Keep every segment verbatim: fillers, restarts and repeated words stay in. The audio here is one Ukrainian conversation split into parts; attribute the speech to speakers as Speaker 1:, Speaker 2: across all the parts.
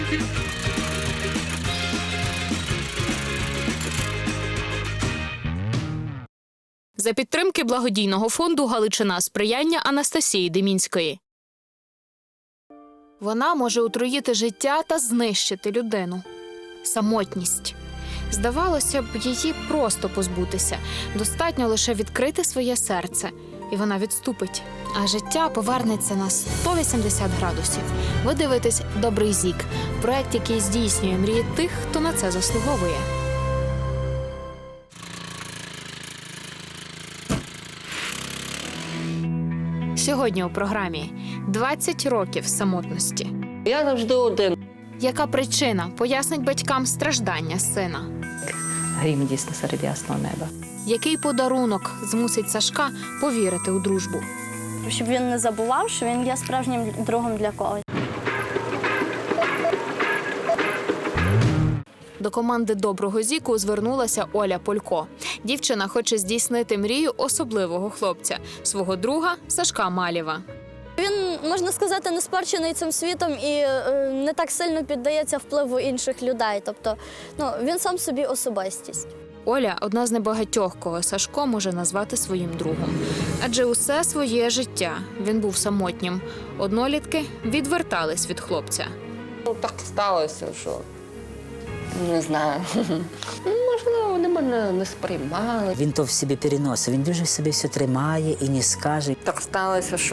Speaker 1: За підтримки благодійного фонду «Галичина сприяння» Анастасії Демінської. Вона може отруїти життя та знищити людину. Самотність. Здавалося б, її просто позбутися. Достатньо лише відкрити своє серце. І вона відступить. А життя повернеться на сто вісімдесят градусів. Ви дивитесь «Добрий зік» – проект, який здійснює мрії тих, хто на це заслуговує. Сьогодні у програмі «двадцять років самотності».
Speaker 2: Я завжди один.
Speaker 1: Яка причина пояснить батькам страждання сина?
Speaker 3: Грім дійсно серед ясного неба.
Speaker 1: Який подарунок змусить Сашка повірити у дружбу?
Speaker 4: Щоб він не забував, що він є справжнім другом для когось.
Speaker 1: До команди «Доброго зіку» звернулася Оля Полько. Дівчина хоче здійснити мрію особливого хлопця – свого друга Сашка Малєва.
Speaker 4: Він, можна сказати, не спорчений цим світом і е, не так сильно піддається впливу інших людей. Тобто, ну, він сам собі особистість.
Speaker 1: Оля – одна з небагатьох, кого Сашко може назвати своїм другом. Адже усе своє життя він був самотнім. Однолітки відвертались від хлопця.
Speaker 2: Ну, так сталося, що не знаю. Можливо, вони мене не сприймали.
Speaker 5: Він то в собі переносить, він дуже в собі все тримає і не скаже.
Speaker 2: Так сталося, що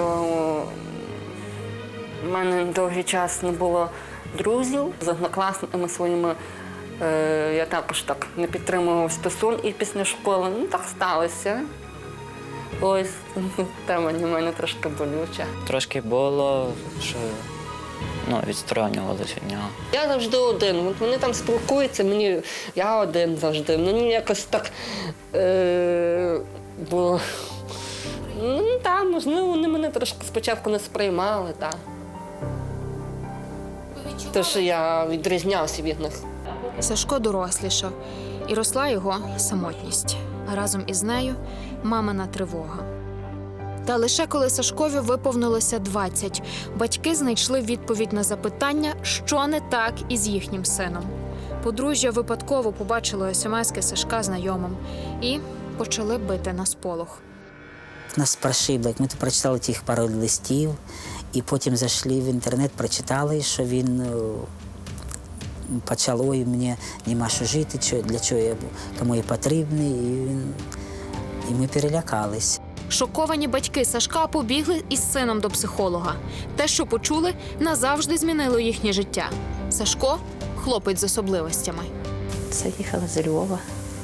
Speaker 2: в мене довгий час не було друзів. З однокласниками своїми е, я також так не підтримував стосунки після школи. Ну, так сталося. Ось тема для мене трошки болюча.
Speaker 6: Трошки було, що ну, відсторонювалися від нього.
Speaker 2: Я завжди один. От вони там спілкуються, мені я один завжди. Мені якось так е, було. Ну, так, можливо, вони мене трошки спочатку не сприймали, так. Те, що я відрізнявся від них.
Speaker 1: Сашко дорослішав, і росла його самотність. А разом із нею – мамина тривога. Та лише коли Сашкові виповнилося двадцять, батьки знайшли відповідь на запитання, що не так із їхнім сином. Подружжя випадково побачило смски Сашка знайомим і почали бити на сполох.
Speaker 5: Нас прошибло, як ми то прочитали тих пару листів, і потім зайшли в інтернет, прочитали, що він почав, ой, мені нема що жити, для чого я, кому я потрібний, і, він, і ми перелякались.
Speaker 1: Шоковані батьки Сашка побігли із сином до психолога. Те, що почули, назавжди змінило їхнє життя. Сашко – хлопець з особливостями.
Speaker 3: Це їхала з Львова.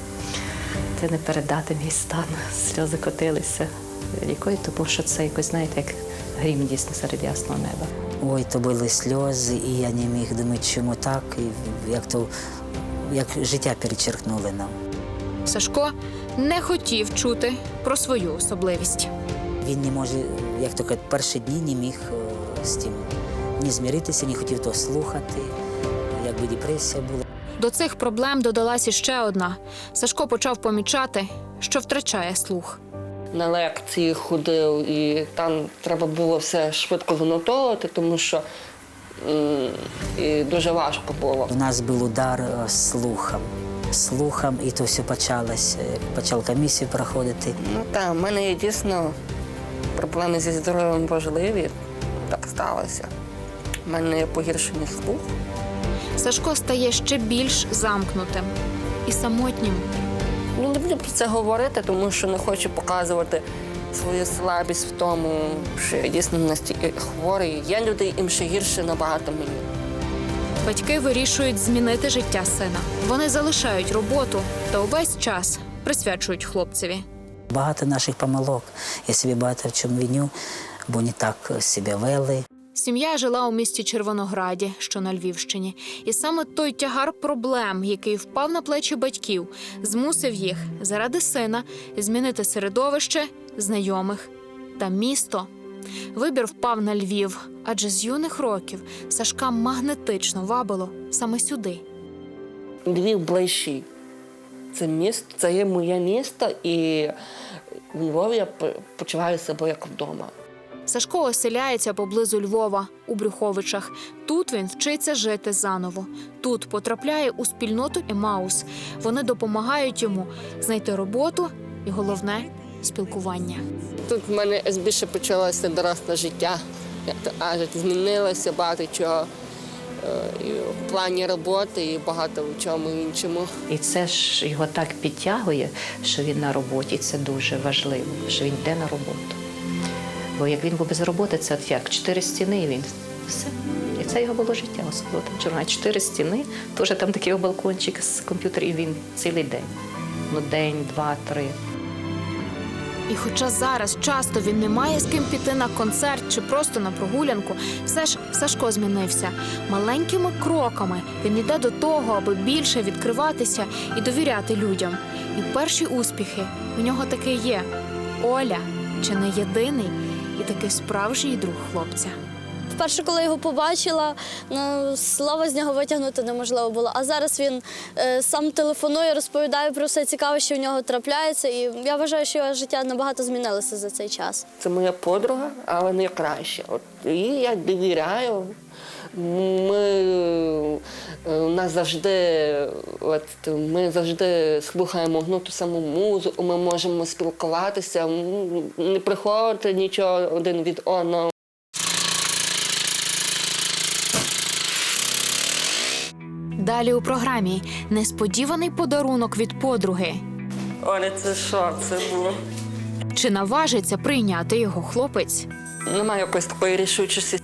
Speaker 3: Це не передати мій стан. Сльози котилися рікою, тому що це якось, знаєте, як грім дійсно серед ясного неба.
Speaker 5: Ой, то були сльози, і я не міг думати, чому так, і як, то, як життя перечеркнули нам.
Speaker 1: Сашко не хотів чути про свою особливість.
Speaker 5: Він не може, як то кажуть, перші дні не міг з тим ні змиритися, не хотів того слухати, якби депресія була.
Speaker 1: До цих проблем додалась іще одна. Сашко почав помічати, що втрачає слух.
Speaker 2: На лекції ходив, і там треба було все швидко занотовувати, тому що м, і дуже важко було.
Speaker 5: У нас був удар слухом. Слухом, і то все почалося, почав комісію проходити.
Speaker 2: Ну так, в мене є дійсно проблеми зі здоров'ям важливі. Так сталося. У мене є погіршений слух.
Speaker 1: Сашко стає ще більш замкнутим і самотнім.
Speaker 2: Не люблю про це говорити, тому що не хочу показувати свою слабість в тому, що я дійсно настільки хворий. Є люди, їм ще гірше набагато мені.
Speaker 1: Батьки вирішують змінити життя сина. Вони залишають роботу та увесь час присвячують хлопцеві.
Speaker 5: Багато наших помилок. Я собі багато в чому виню, бо не так себе вели.
Speaker 1: Сім'я жила у місті Червонограді, що на Львівщині. І саме той тягар проблем, який впав на плечі батьків, змусив їх заради сина змінити середовище, знайомих та місто. Вибір впав на Львів, адже з юних років Сашка магнетично вабило саме сюди.
Speaker 2: Львів ближчий. Це місто, це є моє місто, і в Львові я почуваю себе як вдома.
Speaker 1: Сашко оселяється поблизу Львова, у Брюховичах. Тут він вчиться жити заново. Тут потрапляє у спільноту Емаус. Вони допомагають йому знайти роботу і, головне, спілкування.
Speaker 2: Тут в мене більше почалося доросле життя. Як то кажуть, змінилося багато чого. І в плані роботи, і багато в чому іншому.
Speaker 3: І це ж його так підтягує, що він на роботі. Це дуже важливо, що він йде на роботу. Бо як він був без роботи, це от як чотири стіни, і він все. І це його було життя, особливо там чорна. Чотири стіни, теж там такий балкончик з комп'ютером, і він цілий день. Ну, день, два, три.
Speaker 1: І хоча зараз часто він не має з ким піти на концерт чи просто на прогулянку, все ж Сашко змінився. Маленькими кроками він йде до того, аби більше відкриватися і довіряти людям. І перші успіхи у нього таки є. Оля – чи не єдиний і таки справжній друг хлопця.
Speaker 4: Вперше, коли його побачила, ну, слова з нього витягнути неможливо було. А зараз він е, сам телефонує, розповідає про все цікаве, що в нього трапляється. І я вважаю, що його життя набагато змінилося за цей час.
Speaker 2: Це моя подруга, але не краща. От їй я довіряю. Ми, у нас завжди, от, ми завжди слухаємо ну, ту саму музику, ми можемо спілкуватися, не приховувати нічого один від одного.
Speaker 1: Далі у програмі несподіваний подарунок від подруги.
Speaker 2: Оля, це що це було?
Speaker 1: Чи наважиться прийняти його хлопець?
Speaker 2: Немає якоїсь такої рішучості.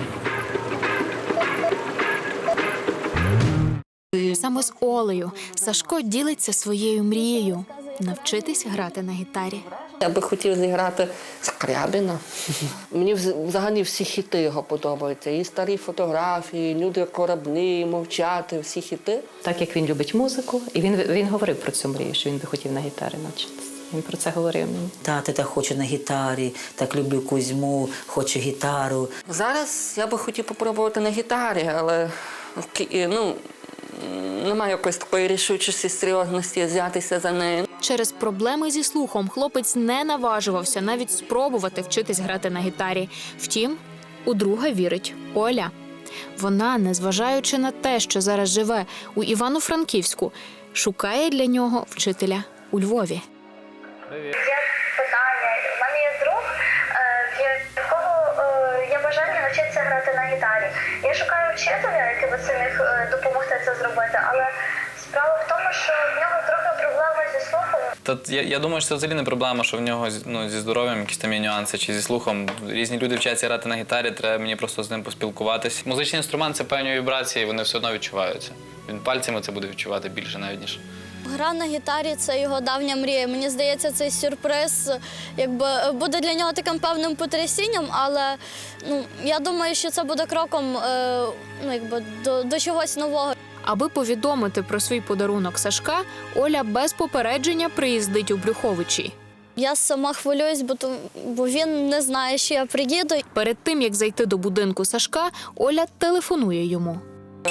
Speaker 1: Саме з Олею Сашко ділиться своєю мрією – навчитись грати на гітарі.
Speaker 2: Я би хотів зіграти Скрябіна. Мені взагалі всі хіти його подобаються. І старі фотографії, люди кораблі, мовчати, всі хіти.
Speaker 3: Так як він любить музику, і він, він говорив про цю мрію, що він би хотів на гітарі навчитися. Він про це говорив мені.
Speaker 5: Тати так хочу на гітарі, так люблю Кузьму, хочу гітару.
Speaker 2: Зараз я би хотів попробувати на гітарі, але ну, немає якоїсь такої рішучості, серйозності взятися за нею.
Speaker 1: Через проблеми зі слухом хлопець не наважувався навіть спробувати вчитись грати на гітарі. Втім, у друга вірить Оля. Вона, незважаючи на те, що зараз живе у Івано-Франківську, шукає для нього вчителя у Львові.
Speaker 7: Є питання. У мене є друг, в якого є бажання навчитися грати на гітарі. Я шукаю вчителя, який би це міг допомогти це зробити, але справа в тому, що в нього трохи проблеми зі слухом.
Speaker 8: Та я, я думаю, що це взагалі не проблема, що в нього ну, зі здоров'ям якісь там є нюанси чи зі слухом. Різні люди вчаться грати на гітарі, треба мені просто з ним поспілкуватись. Музичний інструмент – це певні вібрації, вони все одно відчуваються. Він пальцями це буде відчувати більше навіть, ніж.
Speaker 4: Гра на гітарі – це його давня мрія. Мені здається, цей сюрприз якби, буде для нього таким певним потрясінням, але ну, я думаю, що це буде кроком е, ну, якби, до, до чогось нового.
Speaker 1: Аби повідомити про свій подарунок Сашка, Оля без попередження приїздить у Брюховичі.
Speaker 4: Я сама хвилююсь, бо, то, бо він не знає, що я приїду.
Speaker 1: Перед тим, як зайти до будинку Сашка, Оля телефонує йому.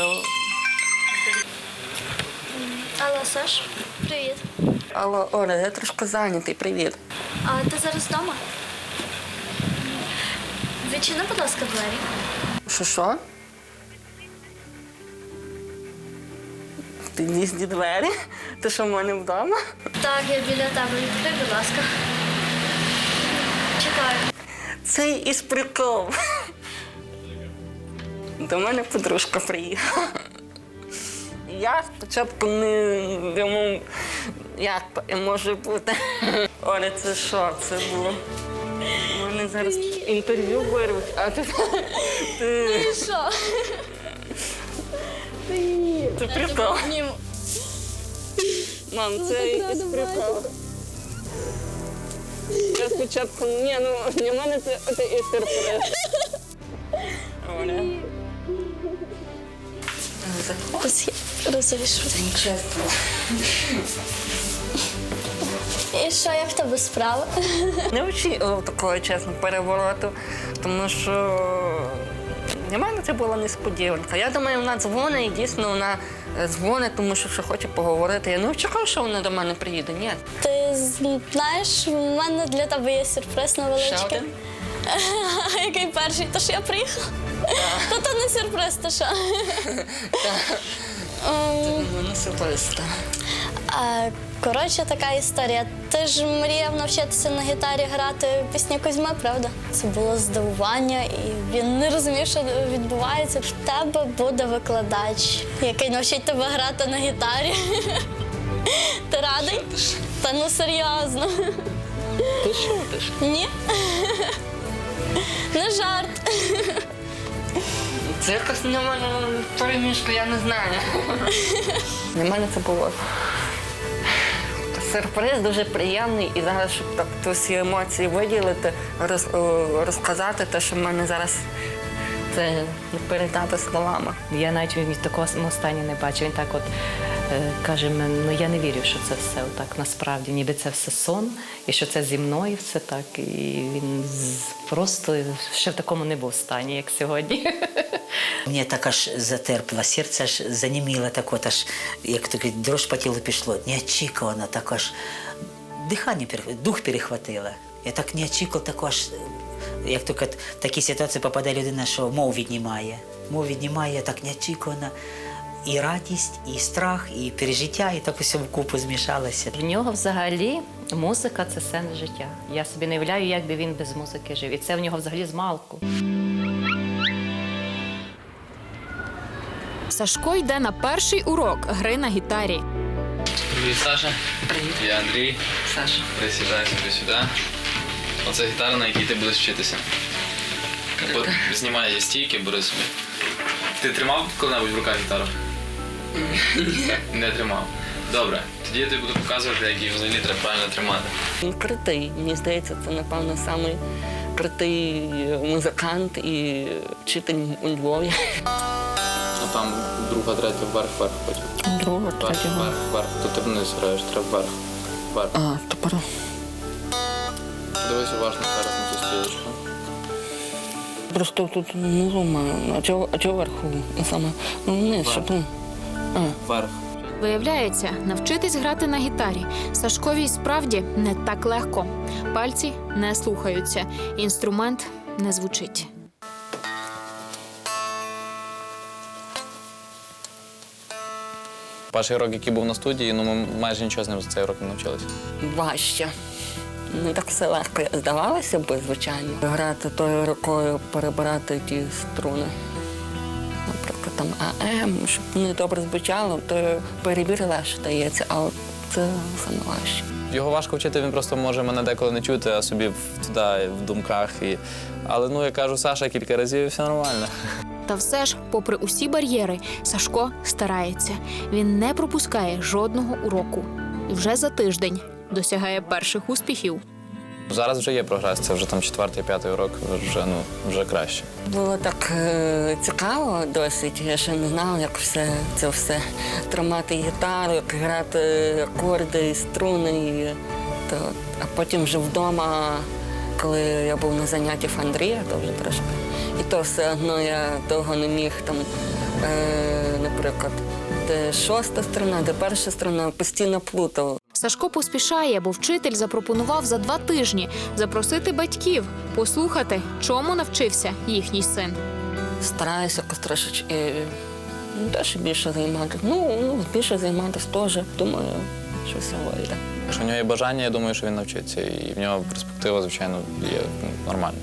Speaker 4: Алло, Саш, привіт.
Speaker 2: Алло, Оля, я трошки зайнятий, привіт.
Speaker 4: А ти зараз вдома? Відчини, будь ласка, двері.
Speaker 2: Що, що? В під'їзді двері? Ти що, в мене вдома?
Speaker 4: Так, я біля тебе. Відкрий, будь ласка. Чекаю.
Speaker 2: Це із прикол. До мене подружка приїхала. Я спочатку не думав, як то може бути. Оля, це що це було? У мене зараз інтерв'ю беруть, а ти... ти...
Speaker 4: Що?
Speaker 2: Це прикол. Мам, це із прикол. Я спочатку, ні, ну для мене це, це і сюрприз. Оля.
Speaker 4: Розумієш.
Speaker 2: Чесно.
Speaker 4: І що, як в тебе справа?
Speaker 2: Не очікував такого, чесно, перевороту, тому що для мене це була несподіванка. Я думаю, вона дзвонить, і дійсно вона дзвонить, тому що ще хоче поговорити. Я не очікував, що вона до мене приїде, ні.
Speaker 4: Ти знаєш, в мене для тебе є сюрприз невеличкий.
Speaker 2: Ще один?
Speaker 4: який перший, то що я приїхала. Та то не сюрприз, то що.
Speaker 2: Ну, сюрприз, так.
Speaker 4: А, Коротше, така історія. Ти ж мріяв навчитися на гітарі грати пісні Кузьми, правда? Це було здивування, і він не розумів, що відбувається. В тебе буде викладач, який навчить тебе грати на гітарі. Ти радий? Та ну серйозно.
Speaker 2: Ти шутиш?
Speaker 4: Ні? Не жарт.
Speaker 2: Це якось на мене перемішка, я не знаю. Для мене це було сюрприз дуже приємний. І зараз, щоб так ті всі емоції виділити, роз, розказати те, що в мене зараз це не передати словами.
Speaker 3: Я навіть він в такому стані не бачив. Він так от е, каже, ну я не вірю, що це все так насправді, ніби це все сон, і що це зі мною все так. І він з- просто ще в такому не був стані, як сьогодні.
Speaker 5: Мені так аж затерпло, серце аж заніміло, так от аж, як то кажуть, дрож по тілу пішло. Неочікувано, так аж дихання, перех- дух перехватило. Я так не очікував, так аж, як тільки в такі ситуації попадає людина, що мов віднімає. Мов віднімає, так неочікувано. І радість, і страх, і пережиття, і так усе вкупу змішалося.
Speaker 3: В нього взагалі музика – це сенс життя. Я собі не уявляю, як би він без музики жив. І це в нього взагалі з малку.
Speaker 1: Сашко йде на перший урок гри на гітарі.
Speaker 8: Привіт, Саша.
Speaker 2: Привіт.
Speaker 8: Я Андрій.
Speaker 2: Саша.
Speaker 8: Присідай собі сюди. Оце гітара, на якій ти будеш вчитися. От знімай її стійки, бери собі. Ти тримав коли-небудь в руках гітару? Ні. Не тримав. Добре. Тоді я тобі буду показувати, як її взагалі треба правильно тримати.
Speaker 2: Він крутий. Мені здається, це, напевно, самий крутий музикант і вчитель у Львові.
Speaker 8: А там друга, третя, вверх, вверх потім.
Speaker 2: Друга,
Speaker 8: Вверх,
Speaker 2: третя.
Speaker 8: вверх, вверх. То ти вниз граєш, треба вверх. Вверх.
Speaker 2: А, тепер.
Speaker 8: Дивись уважно зараз на цю стрілочку.
Speaker 2: Просто тут внизу маю. А чого, а чого вверху? Ну, саме, ну, вниз, щоб... ну, А.
Speaker 8: Вверх.
Speaker 1: Виявляється, навчитись грати на гітарі Сашкові й справді не так легко. Пальці не слухаються, інструмент не звучить.
Speaker 8: Перший рок, який був на студії, ну ми майже нічого з ним за цей рок не навчилися.
Speaker 2: Важче. Не так все легко здавалося б, звичайно. Грати тою рукою, перебирати ті струни. Наприклад, там АМ, щоб не добре звучало, то перебір легше дається, а от це саме важче.
Speaker 8: Його важко вчити, він просто може мене деколи не чути, а собі в- туди, в думках. І... Але, ну, я кажу, Саша кілька разів, і все нормально.
Speaker 1: Та все ж, попри усі бар'єри, Сашко старається. Він не пропускає жодного уроку. І вже за тиждень досягає перших успіхів.
Speaker 8: Зараз вже є прогрес, це вже там четвертий, п'ятий урок, вже, ну, вже краще.
Speaker 2: Було так е, цікаво досить. Я ще не знала, як все це все тримати гітару, як грати акорди, і струни. І, то, а потім вже вдома, коли я був на заняттях в Андрія, то вже трошки. І то все одно я довго не міг там, е, наприклад, де шоста струна, де перша струна, постійно плутав.
Speaker 1: Сашко поспішає, бо вчитель запропонував за два тижні запросити батьків, послухати, чому навчився їхній син.
Speaker 2: Стараюся якось трошечки ну, теж більше займатися. Ну, ну, більше займатися теж. Думаю, що все вийде.
Speaker 8: Якщо в нього є бажання, я думаю, що він навчиться. І в нього перспектива, звичайно, є ну, нормальна.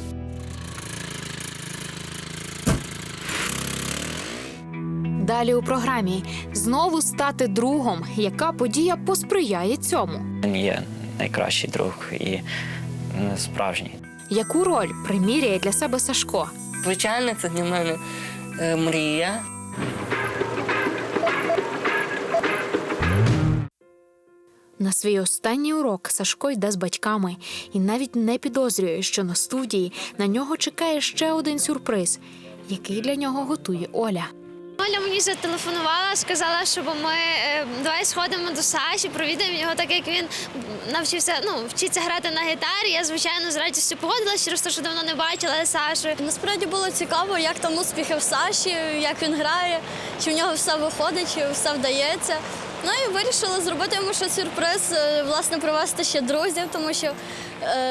Speaker 1: Далі у програмі знову стати другом, яка подія посприяє цьому.
Speaker 6: Він є найкращий друг і ну, справжній.
Speaker 1: Яку роль приміряє для себе Сашко?
Speaker 2: Звичайно, це для мене е, мрія.
Speaker 1: На свій останній урок Сашко йде з батьками і навіть не підозрює, що на студії на нього чекає ще один сюрприз, який для нього готує Оля.
Speaker 9: Оля мені зателефонувала, сказала, щоб ми е, давай сходимо до Саші, провідаємо його, так як він навчився, ну, вчиться грати на гітарі. Я, звичайно, з радістю погодилася, через те, що давно не бачила Сашу.
Speaker 4: Насправді було цікаво, як там успіхи в Саші, як він грає, чи в нього все виходить, чи все вдається. Ну і вирішила зробити йому ще сюрприз, е, власне, привезти ще друзів, тому що е,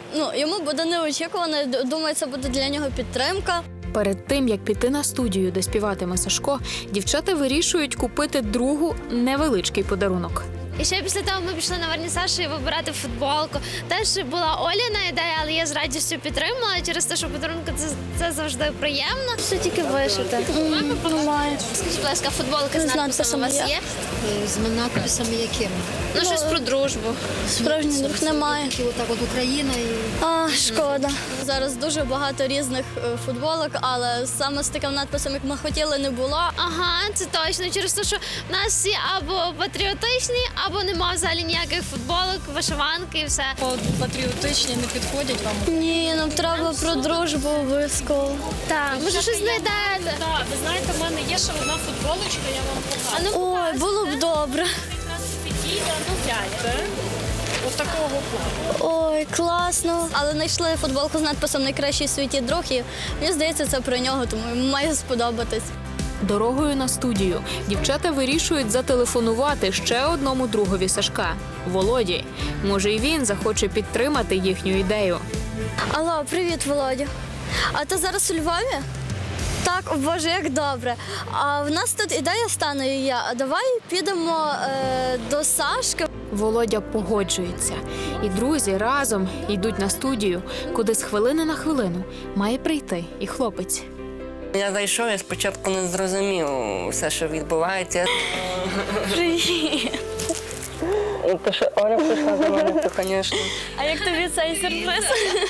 Speaker 4: ну, йому буде неочікувано. Д- Думаю, це буде для нього підтримка.
Speaker 1: Перед тим, як піти на студію, де співатиме Сашко, дівчата вирішують купити другу невеличкий подарунок.
Speaker 9: І ще після того ми пішли на вернісаж і вибирати футболку. Теж була Оліна ідея, але я з радістю підтримала через те, що подарунки це, це завжди приємно. Все тільки вишити.
Speaker 4: Немає.
Speaker 9: Скажіть, будь ласка, футболки з
Speaker 4: З
Speaker 9: надписом у вас
Speaker 4: надписом
Speaker 9: є?
Speaker 10: З надписами якими?
Speaker 9: Ну, щось про дружбу.
Speaker 4: Справжній друг немає.
Speaker 10: І отак от Україна і
Speaker 4: А, шкода. Зараз дуже багато різних е, футболок, але саме з таким надписом, як ми хотіли, не було.
Speaker 9: Ага, це точно. Через те, що в нас всі або патріотичні, або нема взагалі ніяких футболок, вишиванки і все.
Speaker 10: патріотичні не підходять вам.
Speaker 4: Ні, нам треба про дружбу обов'язково.
Speaker 9: Так, може щось знайдете.
Speaker 11: Так, ви знаєте, в мене є ще одна футболочка, я вам покажу.
Speaker 9: А ну,
Speaker 4: Ой, було б добре.
Speaker 11: Якраз підійде, ну гляньте. Ось такого плану.
Speaker 4: Ой, класно. Але знайшли футболку з надписом «Найкращий в світі друг» і мені здається, це про нього, тому йому має сподобатись.
Speaker 1: Дорогою на студію дівчата вирішують зателефонувати ще одному другові Сашка – Володі. Може, і він захоче підтримати їхню ідею.
Speaker 4: Алло, привіт, Володя. А ти зараз у Львові? Так, о Боже, як добре. А в нас тут ідея стане і я. А давай підемо е, до Сашки.
Speaker 1: Володя погоджується. І друзі разом йдуть на студію, куди з хвилини на хвилину має прийти і хлопець.
Speaker 2: Я зайшов, я спочатку не зрозумів все, що відбувається.
Speaker 4: Привіт.
Speaker 2: Те, що Оля прийшла за мене, то, звісно.
Speaker 4: А як тобі цей сюрприз?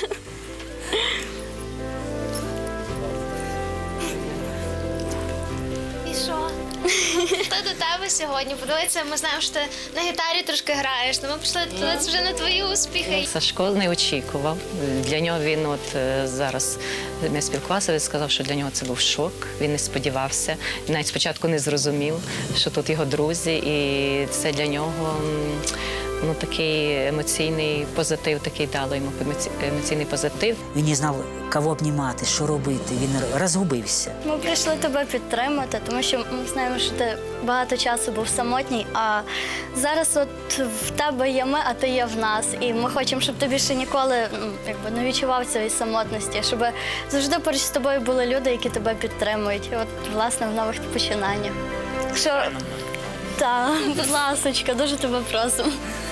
Speaker 9: І що? Хто до тебе сьогодні? Подивися, ми знаємо, що ти на гітарі трошки граєш. Ну, ми пішли подивитися вже на твої успіхи.
Speaker 3: Сашко не очікував. Для нього він от е, зараз ми спілкувалися, він сказав, що для нього це був шок. Він не сподівався. Він навіть спочатку не зрозумів, що тут його друзі, і це для нього м, ну, такий емоційний позитив, такий дало йому емоці- емоційний позитив.
Speaker 5: Він не знав, кого обнімати, що робити. Він розгубився.
Speaker 4: Ми прийшли тебе підтримати, тому що ми знаємо, що ти багато часу був самотній, а зараз от в тебе є ми, а ти є в нас. І ми хочемо, щоб ти більше ніколи ну, якби, не відчував цієї самотності, щоб завжди поруч з тобою були люди, які тебе підтримують. І от, власне, в нових починаннях. Так що, так, будь ласочка, дуже тебе просимо.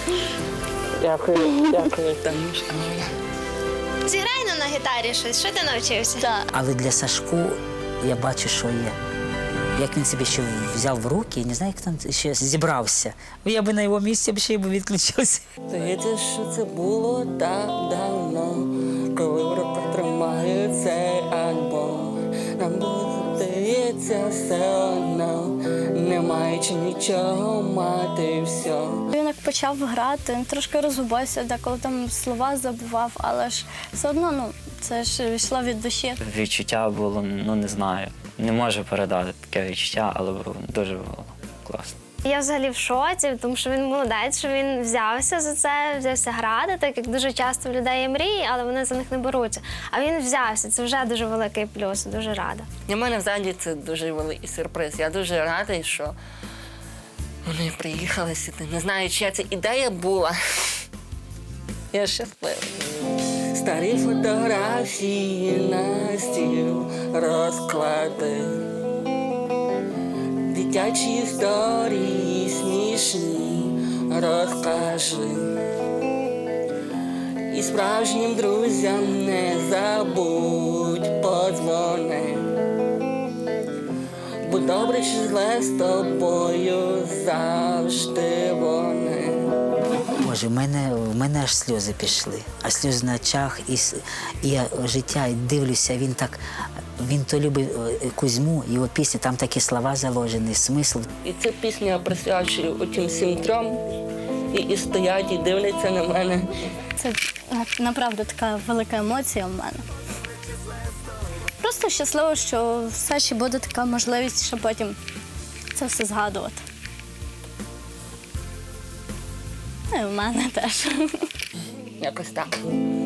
Speaker 2: Дякую, дякую, Танюшка.
Speaker 9: Зіграй нам на гітарі щось. Що ти навчився?
Speaker 4: Так.
Speaker 5: Але для Сашку я бачу, що є. Як він себе ще взяв в руки, я не знаю, як там ще зібрався. Я би на його місці б ще й би відключився.
Speaker 2: Здається, що це було так давно, коли в руках тримаю цей альбом. Нам було, здається, все одно, не маючи нічого мати все.
Speaker 4: Він як почав грати, він трошки розгубився, деколи там слова забував, але ж все одно ну, це ж йшло від душі.
Speaker 6: Відчуття було, ну не знаю. Не можу передати таке відчуття, але було- дуже було класно.
Speaker 9: Я взагалі в шоці, тому що він молодець, що він взявся за це, взявся грати, так як дуже часто в людей є мрії, але вони за них не беруться. А він взявся, це вже дуже великий плюс, дуже рада.
Speaker 2: Для мене взагалі це дуже великий сюрприз. Я дуже радий, що вони приїхали сюди. Не знаю, чия це ідея була. Я щаслива. Старі фотографії на стіл розклади. Дитячі історії смішні розкажи. І справжнім друзям не забудь подзвони. Бо добре чи зле з тобою завжди вони.
Speaker 5: Боже, в мене, в мене аж сльози пішли, а сльози на очах, і, с- і я життя, і дивлюся, він так, він то любить е, Кузьму, його пісні, там такі слова заложені, смисл.
Speaker 2: І цю пісню я присвячую отим всім трьом. І, і стоять, і дивляться на мене.
Speaker 4: Це направду така велика емоція в мене. Просто щасливо, що все ще буде така можливість, щоб потім це все згадувати. Ну і в мене теж.
Speaker 2: Якось так.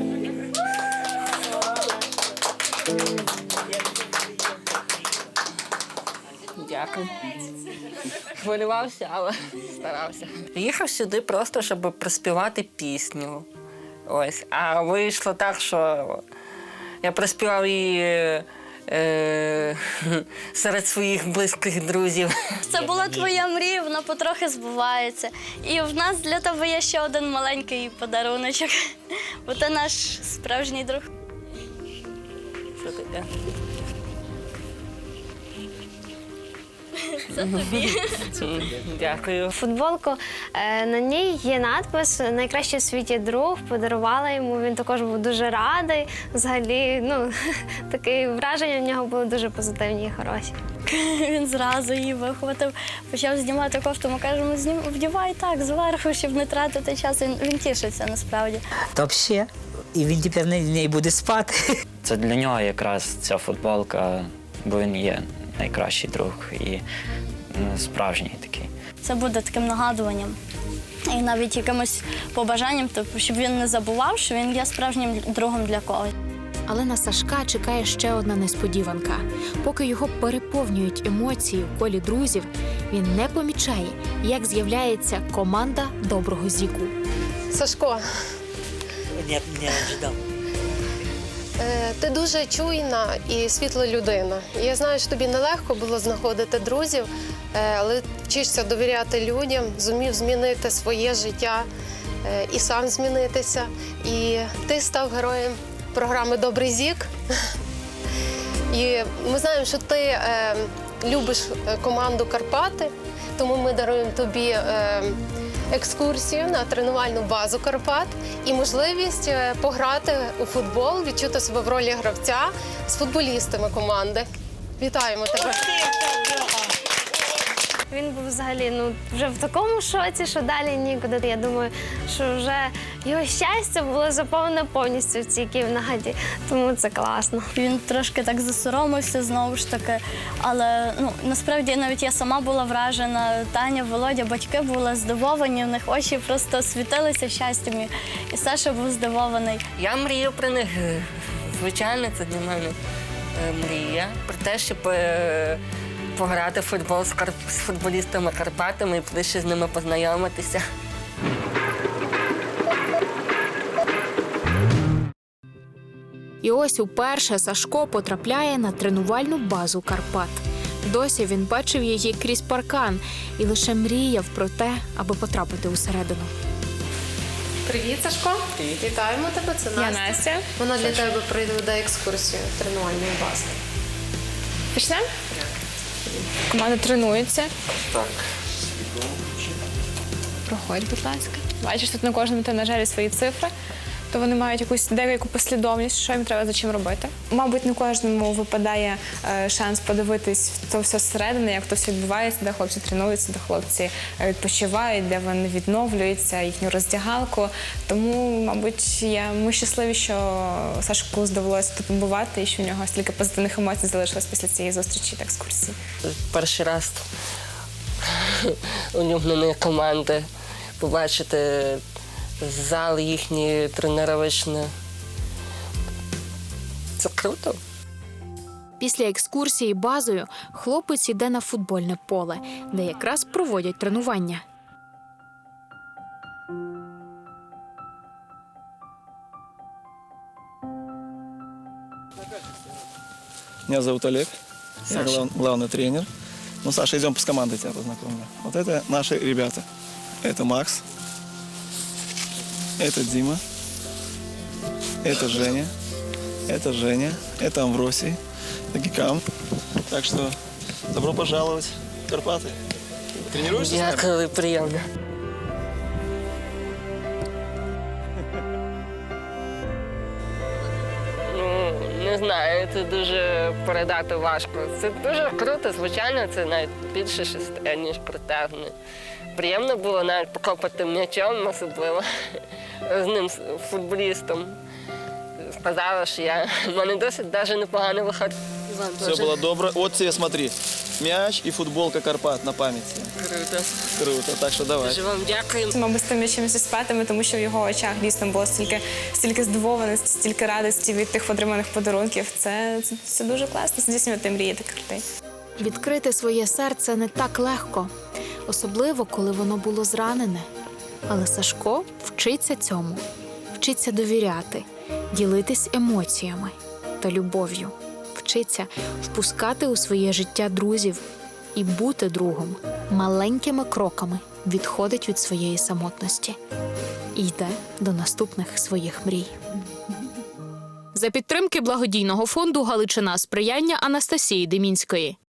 Speaker 2: Дякую. Хвилювався, але старався. Приїхав сюди просто, щоб приспівати пісню. Ось. А вийшло так, що я приспівав її е, серед своїх близьких друзів.
Speaker 4: Це була твоя мрія, вона потрохи збувається. І в нас для тебе є ще один маленький подаруночок, бо ти наш справжній друг.
Speaker 2: Що таке?
Speaker 4: Це тобі.
Speaker 2: Дякую.
Speaker 9: Футболку, е, на ній є надпис «Найкращий у світі друг», подарувала йому, він також був дуже радий. Взагалі, ну, таке враження в нього були дуже позитивні і хороші.
Speaker 4: Він зразу її вихватив, почав знімати кофту. Ми кажемо, знім, вдівай так, зверху, щоб не тратити час. Він, він тішиться насправді.
Speaker 5: Та взагалі. І він тепер на неї буде спати.
Speaker 6: Це для нього якраз ця футболка, бо він є найкращий друг і ну, справжній такий.
Speaker 4: Це буде таким нагадуванням і навіть якимось побажанням, тобто, щоб він не забував, що він є справжнім другом для когось.
Speaker 1: Але на Сашка чекає ще одна несподіванка. Поки його переповнюють емоції в колі друзів, він не помічає, як з'являється команда доброго Зіку.
Speaker 12: Сашко,
Speaker 5: Не, не ожидав.
Speaker 12: е, ти дуже чуйна і світла людина. І я знаю, що тобі нелегко було знаходити друзів, е, але вчишся довіряти людям, зумів змінити своє життя е, і сам змінитися. І ти став героєм програми «Добрий Зік». І ми знаємо, що ти е, любиш команду «Карпати», тому ми даруємо тобі е, екскурсію на тренувальну базу «Карпат» і можливість е, пограти у футбол, відчути себе в ролі гравця з футболістами команди. Вітаємо тебе!
Speaker 9: Він був взагалі ну, вже в такому шоці, що далі нікуди. Я думаю, що вже його щастя було заповнене повністю в цій кімнаті, тому це класно.
Speaker 4: Він трошки так засоромився знову ж таки, але ну, насправді навіть я сама була вражена. Таня, Володя, батьки були здивовані, в них очі просто світилися щастям, і- і Саша був здивований.
Speaker 2: Я мрію про них. Звичайно, це для мене е, мрія. Про те, щоб е, пограти в футбол з, кар... з футболістами Карпатами і ближче з ними познайомитися.
Speaker 1: І ось уперше Сашко потрапляє на тренувальну базу Карпат. Досі він бачив її крізь паркан і лише мріяв про те, аби потрапити усередину.
Speaker 12: Привіт, Сашко! Привіт. Вітаємо тебе, це Настя.
Speaker 10: Я Настя.
Speaker 12: Вона для тебе проведе екскурсію тренувальної бази.
Speaker 10: Почнемо? Команда тренується.
Speaker 13: Так.
Speaker 10: Проходь, будь ласка. Бачиш, тут на кожному тренажері свої цифри, то вони мають якусь деяку послідовність, що їм треба за чим робити. Мабуть, не кожному випадає е, шанс подивитись то все зсередини, як то все відбувається, де хлопці тренуються, де хлопці е, відпочивають, де вони відновлюються, їхню роздягалку. Тому, мабуть, я, ми щасливі, що Сашку здавалося тут побувати і що в нього стільки позитивних емоцій залишилось після цієї зустрічі та екскурсії.
Speaker 2: Перший раз улюблені команди, побачити зал їхній тренувальний. Це круто.
Speaker 1: Після екскурсії базою хлопець іде на футбольне поле, де якраз проводять тренування.
Speaker 13: Меня зовут Олег, я
Speaker 2: Саша.
Speaker 13: глав- главный тренер. Ну, Саша, идем с командой тебя познакомлю. Вот это наши ребята. Это Макс, это Дима, это Женя, это Женя, это Амвросий, это Гикам. Так что добро пожаловать в Карпаты. Тренируешься с нами?
Speaker 2: Дякую, приємно. Ну, не знаю, це дуже передати важко. Це дуже круто, звичайно, це навіть більше шести, ніж протягне. Приємно було навіть покопати м'ячом, особливо з ним, з футболістом. Сказала, що я, в мене досить навіть непогано виходить. Вам
Speaker 13: Все
Speaker 2: теж.
Speaker 13: было добро. Вот тебе смотри, мяч и футболка Карпат на память.
Speaker 2: Круто.
Speaker 13: Круто, так что давай.
Speaker 2: Дуже вам дякую.
Speaker 10: Мабуть, з тим м'ячем зі спатами, тому що в його очах дійсно було стільки, стільки здивованості, стільки радості від тих отриманих подарунків. Це, це, це дуже класно, здійснювати мрії таких людей.
Speaker 1: Відкрити своє серце не так легко, особливо, коли воно було зранене. Але Сашко вчиться цьому. Вчиться вчиться довіряти, ділитись емоціями та любов'ю, вчиться впускати у своє життя друзів і бути другом, маленькими кроками відходить від своєї самотності і йде до наступних своїх мрій. За підтримки благодійного фонду «Галичина сприяння» Анастасії Демінської.